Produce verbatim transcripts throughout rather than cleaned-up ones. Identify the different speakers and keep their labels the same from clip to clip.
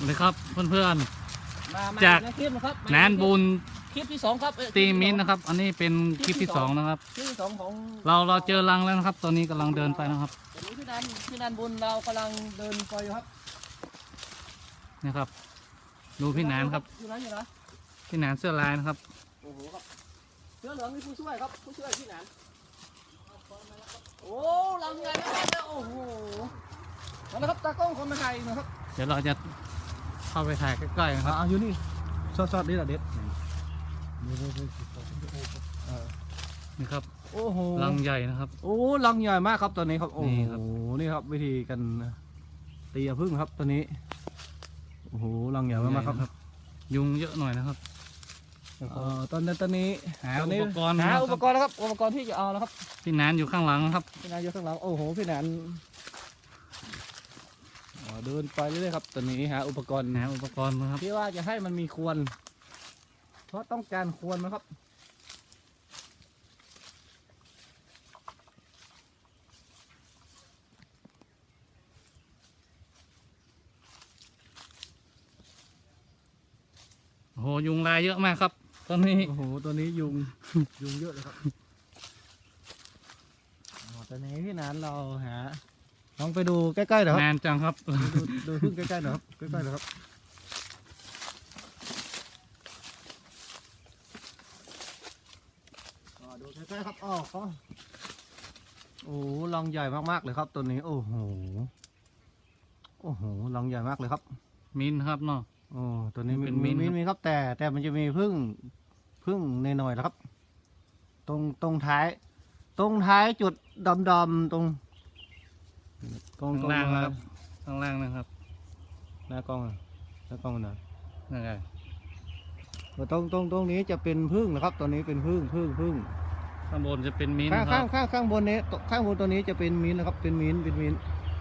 Speaker 1: เลยครับเพื่อน
Speaker 2: มามา
Speaker 1: จาก
Speaker 2: ในคลิปนะครับ
Speaker 1: ๆแนนบุญ
Speaker 2: คลิปที่สองครับเอ้ย
Speaker 1: ตีมินนะครับ อันนี้เป็นคลิปที่สองนะครับ
Speaker 2: คลิปที่สองของ
Speaker 1: เราเราเจอรังแล้วนะครับ ตอนนี้กำลังเดินไปนะครับ
Speaker 2: ตอนนี้พี่นันพี่นันบุญเรากำลังเดินไปอยู่ครับ
Speaker 1: นี่ครับ ดูพี่หนานครับ
Speaker 2: อยู่ไหนอยู่นะ
Speaker 1: พี่หนานเสื้อลายนะครับ
Speaker 2: โอ้โหครับเสื้อเหลืองนี่ผู้ช่วยครับผู้ช่วยพี่นันโอ้ลังใหญ่มากเลยโอ้โหมาแล้วครับตากล้องคนมาถ่ายนะครับ
Speaker 1: เดี๋ยวเราจะเข้าไปถ่ายใกล้ๆนะครับ
Speaker 2: อ่าอยู่นี่ซอสๆนี่แหละเด็ด
Speaker 1: นี่ครับ
Speaker 2: โอ้โห
Speaker 1: รังใหญ่นะครับ
Speaker 2: โอ้ลังใหญ่มากครับตอนนี้ครับโอ้
Speaker 1: นี่
Speaker 2: โห
Speaker 1: ครับ
Speaker 2: นี่ครับวิธีการตีพึ่งครับตอนนี้โอ้โหลังใหญ่มากๆครับ
Speaker 1: ยุงเยอะหน่อยนะครับ
Speaker 2: เอ่อตอนนี้ตอนนี้
Speaker 1: หา
Speaker 2: ตนนี้
Speaker 1: อุปกรณ์
Speaker 2: หา
Speaker 1: นะครับ
Speaker 2: อุปกรณ์นะครับอุปกรณ์ที่จะเอานะครับ
Speaker 1: พี่หนานอยู่ข้างหลังนะครับ
Speaker 2: พี่นายอยู่ข้างหลังโอ้โหพี่นันอ๋อเดินไปเรื่อยๆครับตอนนี้หาอุปกรณ์
Speaker 1: หาอุปกรณ์นะครับ
Speaker 2: ที่ว่าจะให้มันมีควนเพราะต้องการควนนะครับ
Speaker 1: โอ้โหยุงลายเยอะมากครับ ตอนนี้
Speaker 2: โอ้โหตัวนี้ยุง ยุงเยอะเลยครับอ๋อตอนนี้พี่นันเราหาลองไปดูใกล้ๆหน่อยครับ
Speaker 1: นานจังครับ
Speaker 2: ดูดูพึ่งใกล้ๆหน่อยครับใกล้ๆหน่อยครับอ๋อดูใกล้ๆครับอ๋อเขาโอ้โหรังใหญ่มากๆเลยครับตัวนี้โอ้โหโอ้โหรังใหญ่มากเลยครับ
Speaker 1: มินครับเนาะ
Speaker 2: โอ้ตัวนี้มี
Speaker 1: เป็น
Speaker 2: มี
Speaker 1: มิ้นท์
Speaker 2: มี
Speaker 1: ครับ
Speaker 2: มีครับแต่แต่มันจะมีพึ่งพึ่งในหน่อยๆนะครับ ตรงตรงท้าย ตรงท้ายจุดดำๆตรงตรง
Speaker 1: ข้าง
Speaker 2: ตรง
Speaker 1: ล่างนะครับข้างล่างนะครับ
Speaker 2: หน้ากล้องอะหน้ากล้องนะ
Speaker 1: นั่นไง
Speaker 2: ตรงตรงตรงนี้จะเป็นพึ่งนะครับตัวนี้เป็นพึ่งพึ่งพึ่ง
Speaker 1: ข้างบนจะเป็นมิน
Speaker 2: ข้าง
Speaker 1: ครั
Speaker 2: ข้าง
Speaker 1: บ
Speaker 2: ข้างข้างบนนี้ตข้างบนตัวนี้จะเป็นมิ้นท์นะครับเป็นมิ้นท์เป็นมิ้นท์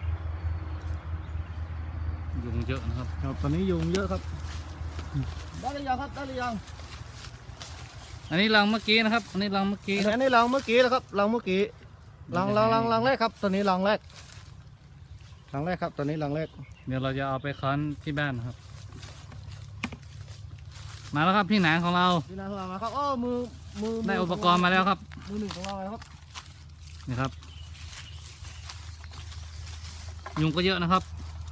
Speaker 1: ยุงเยอะนะครับ
Speaker 2: ครับตอนนี้ยุงเยอะครับได้หรือยังครับได้หรือยัง
Speaker 1: อันนี้รังเมื่อกี้นะครับ อันนี้รังเมื่อกี้ครับ
Speaker 2: อันนี้รังเมื่อกี้แล้วครับรังเมื่อกี้รังรังรังรังแรกครับตัวนี้รังแรกรังแรกครับตัวนี้รังแรก
Speaker 1: เดี๋ยวเราจะเอาไปคั้นที่บ้านนะครับ มาแล้วครับพี่หนานของเรา
Speaker 2: พี่นันเรามาครับโอ้มือมือ
Speaker 1: ได้อุปกรณ์มาแล้วครับ
Speaker 2: มือหนึ่งของเราแล้วครับ
Speaker 1: นี่ครับ ยุงก็เยอะนะครับ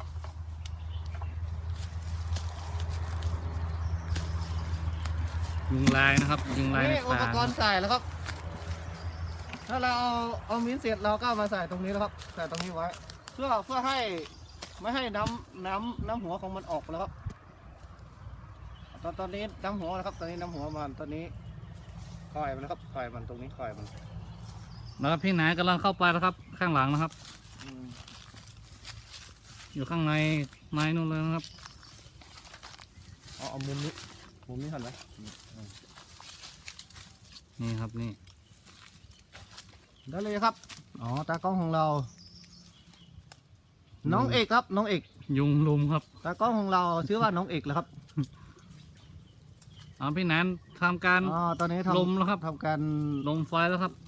Speaker 1: ยุงลายนะครับ ยุงลายใน
Speaker 2: นี่อุ
Speaker 1: ป่า
Speaker 2: ปกรณ์ใส่แล้วครับ ถ้าเราเอาเอามิ้นท์เสร็จเราก็เอามาใส่ตรงนี้แล้วครับใส่ตรงนี้ไว้ เพื่อเพื่อให้ไม่ให้น้ำน้ำน้ำหัวของมันออกแล้วครับ ตอนตอนนี้น้ำหัวนะครับ ตอนนี้น้ำหัวมันตอนนี้คอยมันนะครับคอยมันตรงนี้คอยมัน
Speaker 1: แล้วพี่หนานกำลังเข้าไปแล้วครับ ข้างหลังนะครับ
Speaker 2: อืม
Speaker 1: อยู่ข้างในไม้นู่นเลยนะครับ
Speaker 2: เอาเอามุมนี้มุมนี้หันไหม
Speaker 1: นี่ครับนี่
Speaker 2: ได้เลยครับอ๋อตากล้องของเรา น้องเอกครับน้องเอก
Speaker 1: ยุงลุมครับ
Speaker 2: ตากล้องของเราชื่อว่าน้องเอกแล้วครับ
Speaker 1: เอาพี่หนานทำการ
Speaker 2: อ๋อตอนนี้ทำ
Speaker 1: ลมแล้วครับ
Speaker 2: ทำการ
Speaker 1: ลมไฟแล้วครับ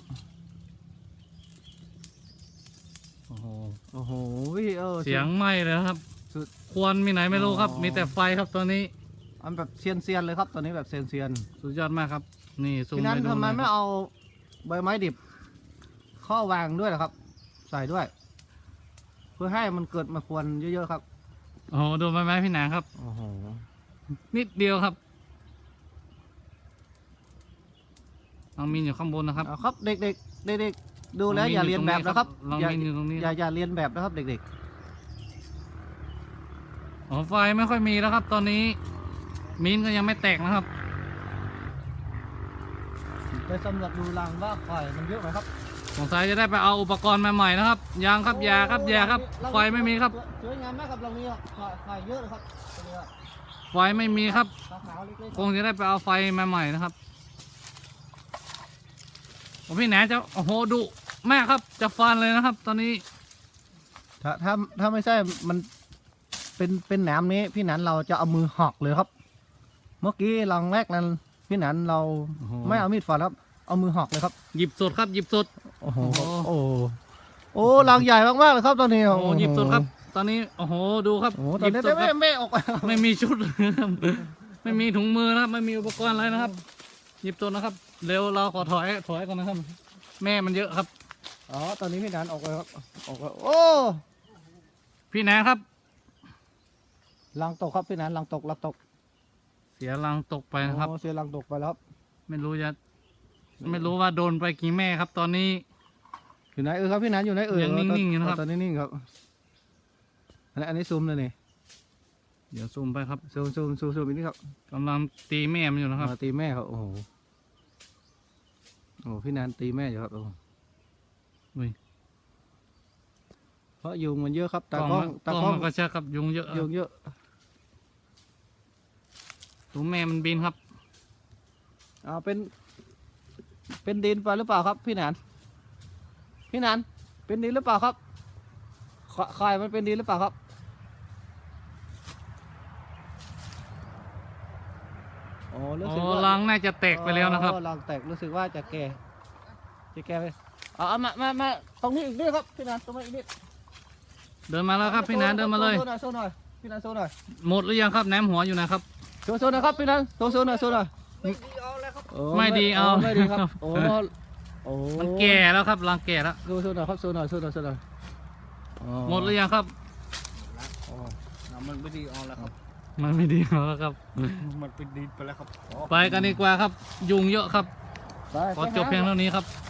Speaker 1: โอ้โห
Speaker 2: โอ้โหเออ
Speaker 1: เสียงไหม้เลยนะครับ
Speaker 2: สุด
Speaker 1: ควรมีไหนไม่รู้ครับ
Speaker 2: อ๋อ
Speaker 1: มีแต่ไฟครับตัวนี้
Speaker 2: อันแบบเซียนเซียนๆเลยครับตอนนี้แบบเซียนเซียน
Speaker 1: สุดยอดมากครับ นี่ซู
Speaker 2: ๆ
Speaker 1: ม
Speaker 2: ทีนั้น
Speaker 1: ให้ดู
Speaker 2: ทำไม
Speaker 1: หน่อย
Speaker 2: ไม่
Speaker 1: ครับ
Speaker 2: เอาใบไม้ดิบข้อวางด้วยล่ะครับ ใส่ด้วย เพื่อให้มันเกิดมาควรเยอะๆครับ
Speaker 1: โอ้โหดูไม้ไม้พี่หนานครับ
Speaker 2: โอ้โห
Speaker 1: นิดเดียวครับน้องมินอยู่ข้างบนนะครับ
Speaker 2: เอาครับเด็กๆเด็กๆดูแล้ว
Speaker 1: น้งมิ
Speaker 2: อย่าเรียนแบบนะครับ
Speaker 1: น้อง
Speaker 2: อย่า
Speaker 1: มินอยู่ตรงนี้
Speaker 2: อย่าอย่าเรียนแบบนะครับ เด็ก
Speaker 1: อ๋อไฟไม่ค่อยมีแล้วครับ ตอนนี้ มินก็ยังไม่แตกนะครับ
Speaker 2: ๆไปสำรวจดูรังว่าข่อยมันเยอะไหมครับ
Speaker 1: สงสัยจะได้ไปเอาอุปกรณ์มาใหม่นะครับยางครับยาครับยาครับ ไฟไม่มีครับ
Speaker 2: สวยงามมากครับเรามีข่อยข่อยเยอะเลยครับตัวนี้
Speaker 1: ไฟไม่มีครับ
Speaker 2: ขาวๆเล็กๆ
Speaker 1: คงจะได้ไปเอาไฟมาใหม่นะครับโอ้พี่แหนจะโอ้โหดุมากครับจะฟันเลยนะครับ ตอนนี้
Speaker 2: ถ้าถ้าถ้าไม่ใช่มันเป็นเป็นหนามนี้พี่หนันเราจะเอามือหักเลยครับ เมื่อกี้ลังแรกนั้นพี่หนันเรา
Speaker 1: โอ้โห
Speaker 2: ไม่เอามีดฟันครับ เอามือหักเลยครับ
Speaker 1: หยิบสดครับหยิบสด
Speaker 2: โอ้โห
Speaker 1: โอ้โห
Speaker 2: โอ้โหโอ้ลังใหญ่มากๆเลยครับตอนนี้
Speaker 1: โอ้โหหยิบสดครับ
Speaker 2: โ
Speaker 1: ตอนนี้โอ้โหดูครับ
Speaker 2: โอ้โห
Speaker 1: ห
Speaker 2: ตอน
Speaker 1: ยิบ
Speaker 2: นี้
Speaker 1: สด
Speaker 2: ไม่
Speaker 1: ครับ
Speaker 2: ไม่ออกไป
Speaker 1: ไม่มีชุด นะครับไม่มีถุงมือนะครับ ไม่มีอุปกรณ์อะไรนะครับ หยิบตัวนะครับ เร็วเราขอถอยถอยก่อนนะครับ แม่มันเยอะครับ
Speaker 2: อ๋อตอนนี้พี่นันออกไปครับออกไปโอ้
Speaker 1: พี่แนนครับ
Speaker 2: ลังตกครับพี่นันลังตกลังตก
Speaker 1: เสียรังตกไปนะครับ
Speaker 2: โอ้เสียลังตกไปแล้วครับ
Speaker 1: ไม่รู้จะไม่รู้ว่าโดนไปกี่แม่ครับ ตอนนี้
Speaker 2: อยู่ไหนเออครับพี่นันอยู่ไหนเออ
Speaker 1: ยังนิ่งๆอยู่นะครับ
Speaker 2: ตอนนี้นิ่งครับอันนี้อันนี้ซูมเลยนี่
Speaker 1: เดี๋ยวซูมไปครับ
Speaker 2: ซูมซูมซูมซูมอีกนิดครับ
Speaker 1: กำลังตีแม่มันอยู่นะครับ
Speaker 2: อ๋อตีแม่ครับโอ้โหโอ้พี่นันตีแม่อยู่ครับโอ้
Speaker 1: อุ้ย
Speaker 2: เพราะยุงมันเยอะครับ
Speaker 1: ก
Speaker 2: ตา
Speaker 1: ล้อง
Speaker 2: กล้อง
Speaker 1: มันก
Speaker 2: ตา
Speaker 1: ล้อง
Speaker 2: กล้อง
Speaker 1: มันก็ใช่ครับยุงเยอะ
Speaker 2: ยุงเยอะ
Speaker 1: ตัวแม่มันบินครับ
Speaker 2: เอาเป็น เป็นดินไปหรือเปล่าครับ พี่นันพี่นันเป็นดินหรือเปล่าครับขไข่มันเป็นดินหรือเปล่าครับโอ้รู้
Speaker 1: โอ้
Speaker 2: สึกว่า
Speaker 1: รังน่าจะแตกไปแล้วนะครับ
Speaker 2: อ๋อรังแตกรู้สึกว่าจะแก่จะแก่ไปเอาเอามามามาตรงนี้อีกนิดครับพี่นันตรงนี้อีกนิด
Speaker 1: เดินมาแล้วครับพี่แนนเดินมาเลย
Speaker 2: โซหน่อยโซหน่อยพี่นันโซหน่อย
Speaker 1: หมดหรือยังครับแหนมหัวอยู่ไหนครับ
Speaker 2: โซโซหน่อยครับพี่นันโซโซหน่อยโซหน่อยโอ้
Speaker 1: ไม่ดีเอา
Speaker 2: ไม่ดีครับโอ้โอ้
Speaker 1: มันแก่แล้วครับรังแก่แล้ว
Speaker 2: โซโซหน่อยครับโซหน่อยโซหน่อยโซหน่อยอ๋อ
Speaker 1: หมดหรือยังครับ
Speaker 2: อ๋อน้ำมันไม่ดีเอาแล้วครับ
Speaker 1: มันไม่ดีแล้วครับ
Speaker 2: มันเป็นดินไปแล้วครับ
Speaker 1: ไปกันดีกว่าครับ ยุงเยอะครับ
Speaker 2: ไป
Speaker 1: ขอจบเพียงเท่านี้ครับ